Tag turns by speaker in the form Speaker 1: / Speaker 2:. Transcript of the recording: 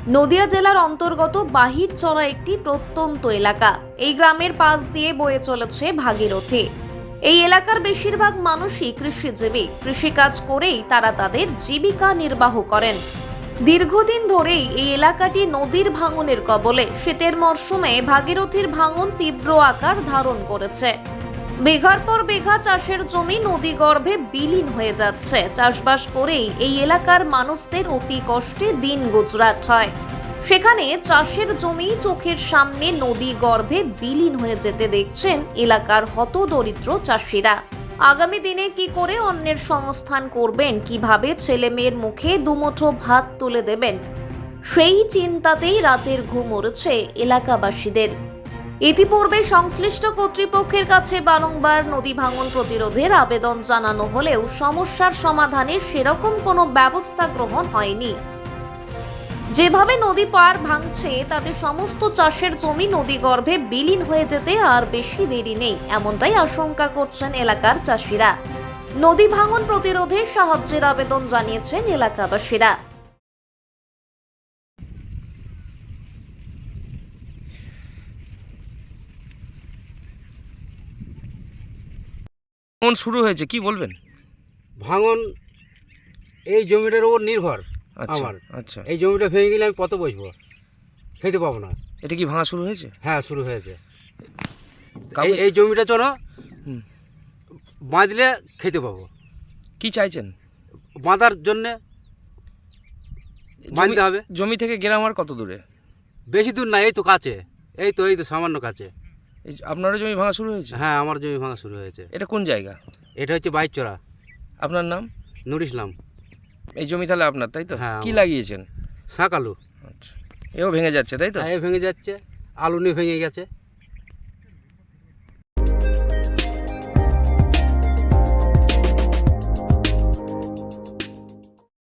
Speaker 1: নদিয়া জেলার অন্তর্গত বাহিরচড়া একটি প্রত্যন্ত এলাকা। এই গ্রামের পাশ দিয়ে বয়ে চলেছে ভাগীরথী। এই এলাকার বেশিরভাগ মানুষই কৃষিজীবী। কৃষিকাজ করেই তারা তাদের জীবিকা নির্বাহ করেন। দীর্ঘদিন ধরেই এই এলাকাটি নদীর ভাঙনের কবলে। শীতের মরশুমে ভাগীরথীর ভাঙন তীব্র আকার ধারণ করেছে। বিঘার পর বিঘা চাষের জমি নদীগর্ভে বিলীন হয়ে যাচ্ছে। চাষবাস করেই এই এলাকার মানুষদের অতি কষ্টে দিন গুজরাট হয়। সেখানে চাষের জমি চোখের সামনে নদীগর্ভে বিলীন হয়ে যেতে দেখছেন এলাকার হতদরিদ্র চাষিরা। আগামী দিনে কি করে অন্যের সংস্থান করবেন, কিভাবে ছেলে মেয়ের মুখে দুমুঠো ভাত তুলে দেবেন, সেই চিন্তাতেই রাতের ঘুম উড়েছে এলাকাবাসীদের। ইতিপূর্বে সংশ্লিষ্ট কর্তৃপক্ষের কাছে বারংবার নদী ভাঙন প্রতিরোধের আবেদন জানানো হলেও সমস্যার সমাধানের সেরকম কোনো ব্যবস্থা গ্রহণ হয়নি। যেভাবে নদী পার ভাঙছে তাতে সমস্ত চাষের জমি নদীগর্ভে বিলীন হয়ে যেতে আর বেশি দেরি নেই, এমনটাই আশঙ্কা করছেন এলাকার চাষিরা। নদী ভাঙন প্রতিরোধে সাহায্যের আবেদন জানিয়েছেন এলাকাবাসীরা।
Speaker 2: ভাঙন শুরু হয়েছে, কি বলবেন?
Speaker 3: ভাঙন এই জমিটার উপর নির্ভর
Speaker 2: আচ্ছা,
Speaker 3: আমার।
Speaker 2: আচ্ছা।
Speaker 3: এই জমিটা ভেঙে গেলে আমি কত বসবো, খেতে পাবো না।
Speaker 2: এটা কি ভাঙা শুরু হয়েছে?
Speaker 3: হ্যাঁ, শুরু হয়েছে।
Speaker 2: কাউকে-
Speaker 3: এই জমিটা চলো
Speaker 2: হুম।
Speaker 3: বাঁধলে খেতে পাবো।
Speaker 2: কি চাইছেন?
Speaker 3: বাঁধার জন্যে বাঁধতে হবে।
Speaker 2: জমি থেকে গ্রাম আর কত দূরে?
Speaker 3: বেশি দূর না, এই তো কাছে, এই তো সামান্য কাছে।
Speaker 2: আপনারও জমি ভাঙা শুরু হয়েছে?
Speaker 3: হ্যাঁ, আমার জমি ভাঙা শুরু হয়েছে।
Speaker 2: এটা কোন জায়গা?
Speaker 3: এটা হচ্ছে বাইচরা।
Speaker 2: আপনার নাম?
Speaker 3: নুর ইসলাম।
Speaker 2: এই জমি তাহলে আপনার, তাই তো?
Speaker 3: হ্যাঁ,
Speaker 2: কি
Speaker 3: আমার।
Speaker 2: লাগিয়েছেন?
Speaker 3: শাক আলু।
Speaker 2: আচ্ছা, এও ভেঙে যাচ্ছে, তাই তো?
Speaker 3: হ্যাঁ, ভেঙে যাচ্ছে, আলু নিয়ে ভেঙে গেছে।